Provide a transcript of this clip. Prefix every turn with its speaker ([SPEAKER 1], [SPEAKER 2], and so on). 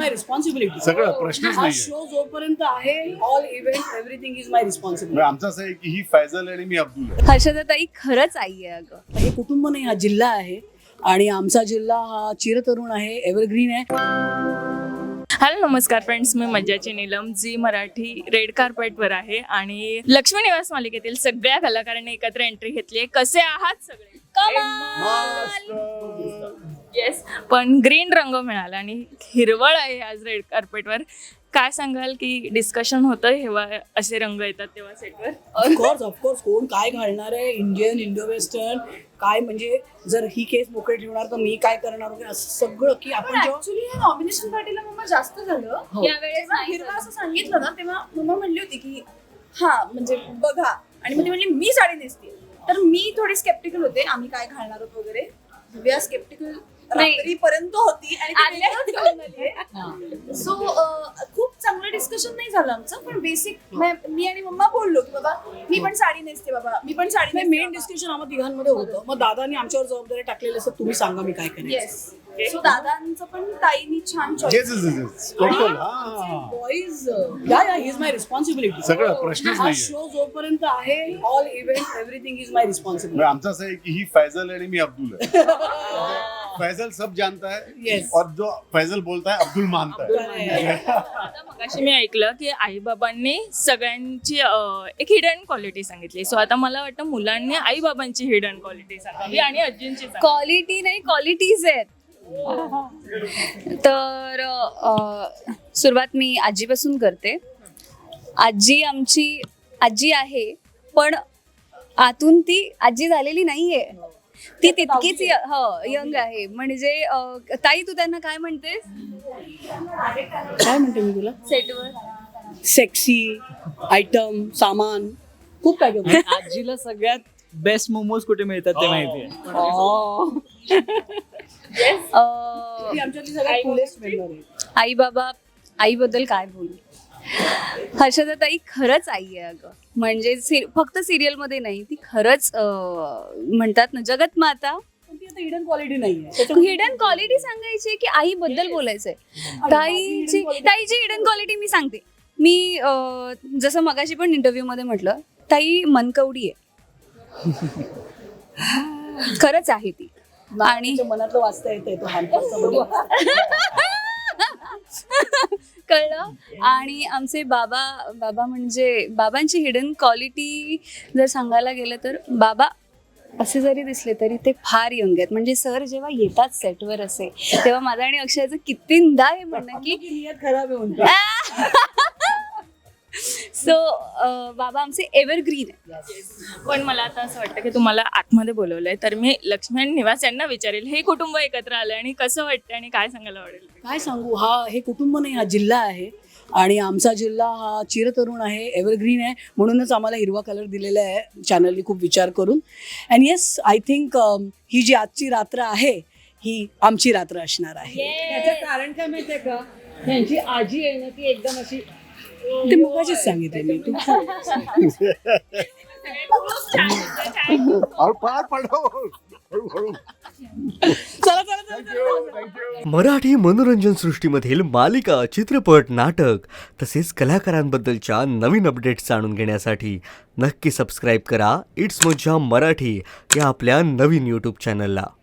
[SPEAKER 1] माय responsibility.
[SPEAKER 2] सगळं प्रश्नच
[SPEAKER 1] हा
[SPEAKER 2] नाही
[SPEAKER 1] शो जोपर्यंत आहे all event everything is my responsibility.
[SPEAKER 2] आमचं असं आहे की ही फैजल आणि मी अब्दुल आहे.
[SPEAKER 3] हर्षदाताई खरंच आई आहे अगं.
[SPEAKER 1] हे कुटुंब नाही, हा जिल्हा आहे आणि आमचा जिल्हा हा चिरतरुण आहे, एव्हरग्रीन आहे.
[SPEAKER 4] हॅलो नमस्कार फ्रेंड्स, मी मज्जाची नीलम. झी मराठी रेड कार्पेटवर आहे आणि लक्ष्मी निवास मालिकेतील सगळ्या कलाकारांनी एकत्र एंट्री घेतली आहे. कसे आहात सगळे? येस, पण ग्रीन रंग मिळाला आणि हिरवळ आहे आज रेड कार्पेटवर. काय सांगाल की डिस्कशन होतं जेव्हा असे रंग येतात तेव्हा सेटवर?
[SPEAKER 1] ऑफकोर्स कोण काय घालणार आहे, इंडियन, इंडो वेस्टर्न काय, म्हणजे जर ही केस मोकळी ठेवणार तर मी काय करणार वगैरे असं सगळं की आपण जेव्हा
[SPEAKER 5] ऍक्च्युली हे नॉमिनेशन पार्टीला मम्मा जास्त झालं.
[SPEAKER 1] हो.
[SPEAKER 5] यावेळेस हिरवा असं सांगितलं ना तेव्हा मम्मा म्हणली होती की हा म्हणजे बघा, आणि मग ती म्हणली मी साडी नेसते. तर मी थोडी स्केप्टिकल होते आम्ही काय घालणार आहोत वगैरे. दिव्या स्केप्टिकल रात्रीपर्यंत होती आणि सो खूप चांगलं डिस्कशन नाही झालं आमचं, पण बेसिक मी आणि मम्मा बोललो की बाबा मी पण साडी नेसते, बाबा मी पण साडी नेसते.
[SPEAKER 1] मेन डिस्कशन आम्हा तिघांमध्ये होतं. मग दादानी आमच्यावर जबाबदारी टाकलेली असं तुम्ही सांगा मी काय करेन.
[SPEAKER 5] येस, सो दादांचं पण ताईनी छान
[SPEAKER 2] Yes, yes, yes, yes. Total, हा.
[SPEAKER 1] बॉईज या इज माय रिस्पॉन्सिबिलिटी.
[SPEAKER 2] सगळं प्रश्नच
[SPEAKER 1] हा
[SPEAKER 2] नाही
[SPEAKER 1] शो जोपर्यंत आहे all event everything is my responsibility.
[SPEAKER 2] आमचं असं आहे की ही फैजल आणि मी अब्दुल आहे. फैजल सब जानता है
[SPEAKER 1] Yes.
[SPEAKER 2] और जो फैजल बोलता है अब्दुल मानता है.
[SPEAKER 4] आता मगाशी मी ऐकलं की आईबाबांनी सगळ्यांची एक हिडन क्वालिटी सांगितली. सो आता मला वाटतं मुलांनी आईबाबांची हिडन क्वालिटी सांगावी आणि आजींची सांगावी.
[SPEAKER 3] क्वालिटी नाही, क्वालिटीज आहेत. तर सुरुवात मी आजीपासून करते. आजी आमची आजी आहे, पण आतून ती आजी झालेली नाहीये. ती तितकीच यंग आहे. म्हणजे ताई तू त्यांना काय म्हणतेस
[SPEAKER 1] काय म्हणते मी तुला?
[SPEAKER 3] सेटवर?
[SPEAKER 1] सेक्सी आयटम, सामान खूप काय काय.
[SPEAKER 6] आजीला सगळ्यात बेस्ट मोमोज कुठे मिळतात ते माहिती आहे.
[SPEAKER 1] ती आमच्यातली सगळ्यात coolest member आहे.
[SPEAKER 3] आई बाबा, आईबद्दल काय बोलू. हर्षदाताई खरंच आई आहे अगं. म्हणजे फक्त सिरियल मध्ये नाही, ती खरंच म्हणतात ना जगत माता.
[SPEAKER 1] पण ती आता हिडन क्वालिटी नाहीये.
[SPEAKER 3] हिडन क्वालिटी सांगायची की आई बद्दल बोलायचंय. ताईची हिडन क्वालिटी मी सांगते. मी जसं मगाशी पण इंटरव्ह्यू मध्ये म्हटलं, ताई मनकवडी आहे. खरंच आहे ती. आणि
[SPEAKER 1] मनातलं वाचता येतंय तो हॅम्पर.
[SPEAKER 3] कळलं. आणि आमचे बाबा म्हणजे बाबांची हिडन क्वालिटी जर सांगायला गेलं तर बाबा असे जरी दिसले तरी ते फार यंग आहेत. म्हणजे सर जेव्हा येतात सेटवर असे तेव्हा माझा आणि अक्षयाचं कितींदा हे म्हणणं की
[SPEAKER 1] नियत खराब आहे म्हणतो.
[SPEAKER 3] सो बाबा आमचे एव्हरग्रीन आहे.
[SPEAKER 4] पण मला आता असं वाटतं की तुम्हाला आतमध्ये बोलवलंय, तर मी लक्ष्मी आणि निवास यांना विचारेल हे कुटुंब एकत्र आलंय आणि कसं वाटतं आणि काय सांगायला आवडेल?
[SPEAKER 1] काय सांगू, हे कुटुंब नाही, हा जिल्हा आहे आणि आमचा जिल्हा हा चिरतरुण आहे, एव्हरग्रीन आहे. म्हणूनच आम्हाला हिरवा कलर दिलेला आहे चॅनलनी खूप विचार करून. अँड येस, आय थिंक ही जी आजची रात्र आहे ही आमची रात्र असणार आहे.
[SPEAKER 7] त्याचं कारण काय माहितीये का, त्यांची आजी आहे ना ती एकदम अशी
[SPEAKER 1] ते मगाशीच सांगितले मी. तू
[SPEAKER 2] और पार पडो. हळूहळू.
[SPEAKER 8] मराठी मनोरंजन सृष्टीमधील मालिका, चित्रपट, नाटक तसेच कलाकारांबद्दलच्या नवीन अपडेट्स जाणून घेण्यासाठी नक्की सबस्क्राईब करा इट्स मज्जा मराठी या आपल्या नवीन यूट्यूब चॅनलला.